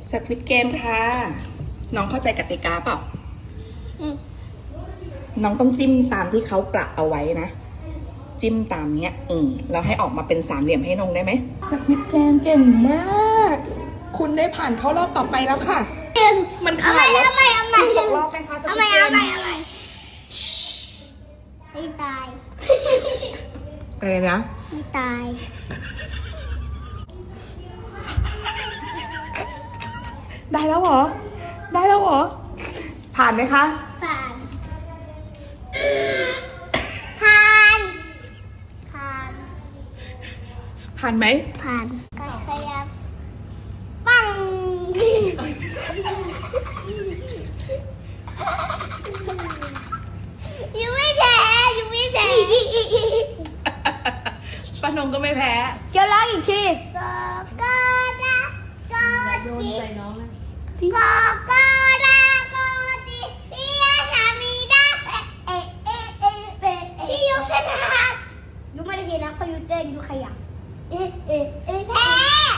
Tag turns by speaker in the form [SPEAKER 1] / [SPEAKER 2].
[SPEAKER 1] สควิดเกมค่ะ น้องเข้าใจกติกาเปล่า น้องต้องจิ้มตามที่เขากะเอาไว้นะ จิ้มตามเนี้ยแล้วให้ออกมาเป็นสามเหลี่ยมให้น้องได้ไหมสควิดเกมเก่งมาก คุณได้ผ่านเข้ารอบต่อไปแล้วค่ะ มันขาดแล้วคุณตกรอบไหมคะสควิดเกม
[SPEAKER 2] ไม่ตาย
[SPEAKER 1] อะไรนะ
[SPEAKER 2] ไม่ตาย
[SPEAKER 1] ได้แล้วเหรอ ได้แล้วเหรอ ผ่านไหมคะ
[SPEAKER 2] ผ่าน ผ่าน ผ่าน
[SPEAKER 1] ผ่านไหม
[SPEAKER 2] ผ่านขยับปังยังไม่แพ้ยังไม่แพ้
[SPEAKER 1] ป้านงก็ไม่แพ้
[SPEAKER 2] เดี๋ยวร้องอีกทีก็นะก็จิก็นะก็จิพี่อาสามีได้พี่ยุชนะยุไม่ได้ชนะเพราะยุเต้นยุขยับแพ้